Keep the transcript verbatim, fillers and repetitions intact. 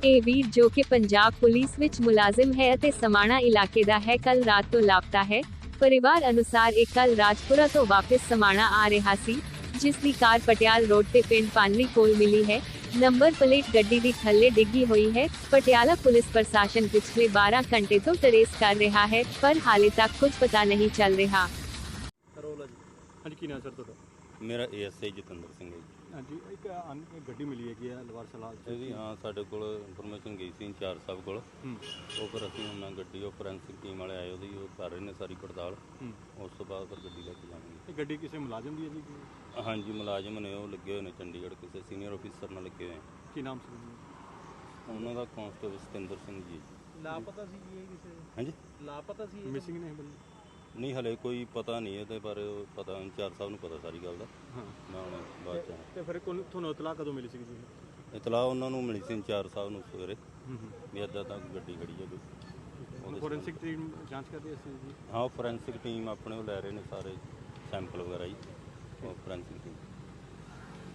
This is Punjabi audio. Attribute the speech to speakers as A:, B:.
A: ਇਹ ਵੀਰ ਜੋ ਕਿ ਪੰਜਾਬ ਪੁਲਿਸ ਵਿੱਚ ਮੁਲਾਜ਼ਮ ਹੈ ਅਤੇ ਸਮਾਣਾ ਇਲਾਕੇ ਦਾ ਹੈ, ਕੱਲ ਰਾਤ ਤੋਂ ਲਾਪਤਾ ਹੈ। ਪਰਿਵਾਰ ਅਨੁਸਾਰ ਇਹ ਕੱਲ ਰਾਜਪੁਰਾ ਤੋਂ ਵਾਪਸ ਸਮਾਣਾ ਆ ਰਿਹਾ ਸੀ, ਜਿਸ ਦੀ ਕਾਰ ਪਟਿਆਲ ਰੋਡ ਤੇ ਪਿੰਡ ਪਾਨਰੀ ਕੋਲ ਮਿਲੀ ਹੈ। ਨੰਬਰ ਪਲੇਟ ਗੱਡੀ ਦੀ ਥੱਲੇ ਡਿੱਗੀ ਹੋਈ ਹੈ। ਪਟਿਆਲਾ ਪੁਲਿਸ ਪ੍ਰਸ਼ਾਸਨ ਪਿਛਲੇ ਬਾरह ਘੰਟੇ ਤੋਂ ਟਰੇਸ ਕਰ ਰਿਹਾ ਹੈ, ਪਰ ਹਾਲੇ ਤੱਕ ਕੁਝ ਪਤਾ ਨਹੀਂ ਚੱਲ ਰਿਹਾ।
B: ਹਾਂਜੀ, ਕੀ ਨਾਮ ਸਰ ਤੁਹਾਡਾ?
C: ਮੇਰਾ ਏਐਸਆਈ ਜਤਿੰਦਰ ਸਿੰਘ ਹੈ ਜੀ।
B: ਹਾਂਜੀ, ਇੱਕ ਅਨ- ਗੱਡੀ ਮਿਲੀ ਹੈਗੀ ਹੈ ਲਵਾਰ ਸਲਾਲ ਚ।
C: ਇਹਦੀ ਹਾਂ ਸਾਡੇ ਕੋਲ ਇਨਫੋਰਮੇਸ਼ਨ ਗਈ ਸੀ ਇੰਚਾਰਜ ਸਾਹਿਬ ਕੋਲ।
B: ਹੂੰ
C: ਉਹ ਫਿਰ ਅਸੀਂ ਉਹਨਾਂ ਗੱਡੀ ਉਹ ਫੋਰੈਂਸਿਕ ਟੀਮ ਵਾਲੇ ਆਏ, ਉਹਦੀ ਉਹ ਕਰ ਰਹੇ ਨੇ ਸਾਰੀ ਪੜਤਾਲ।
B: ਹੂੰ
C: ਉਸ ਤੋਂ ਬਾਅਦ ਫਿਰ ਗੱਡੀ ਲੈ ਕੇ ਜਾਵਾਂਗੇ।
B: ਇਹ ਗੱਡੀ ਕਿਸੇ ਮੁਲਾਜ਼ਮ ਦੀ ਹੈ ਜੀ?
C: ਹਾਂਜੀ, ਮੁਲਾਜ਼ਮ ਨੇ, ਉਹ ਲੱਗੇ ਹੋਏ ਨੇ ਚੰਡੀਗੜ੍ਹ, ਕਿਸੇ ਸੀਨੀਅਰ ਅਫੀਸਰ ਨਾਲ ਲੱਗੇ ਹੋਏ ਆ।
B: ਕੀ ਨਾਮ ਸੀ ਜੀ?
C: ਉਹਨਾਂ ਦਾ ਕਾਂਸਟੇਬਲ ਸਤਿੰਦਰ ਸਿੰਘ ਜੀ।
D: ਲਾਪਤਾ ਸੀ ਜੀ ਇਹ ਕਿਸੇ
C: ਹਾਂਜੀ,
D: ਲਾਪਤਾ ਸੀ
B: ਮਿਸਿੰਗ ਨੇ ਬੰਦੇ?
C: ਨਹੀਂ ਹਲੇ ਕੋਈ ਪਤਾ ਨਹੀਂ ਇਹਦੇ ਬਾਰੇ, ਉਹ ਪਤਾ ਇੰਚਾਰਜ ਸਾਹਿਬ ਨੂੰ ਪਤਾ ਸਾਰੀ ਗੱਲ ਦਾ।
B: ਹਾਂ,
C: ਮੈਂ ਹੁਣ ਬਾਅਦ ਚ
B: ਤੇ ਫਿਰ ਕੋਲ ਤੁਹਾਨੂੰ ਇਤਲਾਹ ਕਦੋਂ ਮਿਲੀ ਸੀ ਜੀ?
C: ਇਤਲਾਹ ਉਹਨਾਂ ਨੂੰ ਮਿਲੀ ਸੀ ਇੰਚਾਰਜ ਸਾਹਿਬ ਨੂੰ ਸਵੇਰੇ,
B: ਹੂੰ ਹੂੰ
C: ਵੀ ਇੱਦਾਂ ਤਾਂ ਗੱਡੀ ਖੜੀ ਹੈ ਕੋਈ। ਉਹਦੇ
B: ਫੋਰੈਂਸਿਕ ਟੀਮ ਜਾਂਚ ਕਰਦੀ ਸੀ ਜੀ?
C: ਹਾਂ, ਉਹ ਫੋਰੈਂਸਿਕ ਟੀਮ ਆਪਣੇ ਉਹ ਲੈ ਰਹੇ ਨੇ ਸਾਰੇ ਸੈਂਪਲ ਵਗੈਰਾ ਜੀ, ਉਹ ਫੋਰੈਂਸਿਕ ਟੀਮ।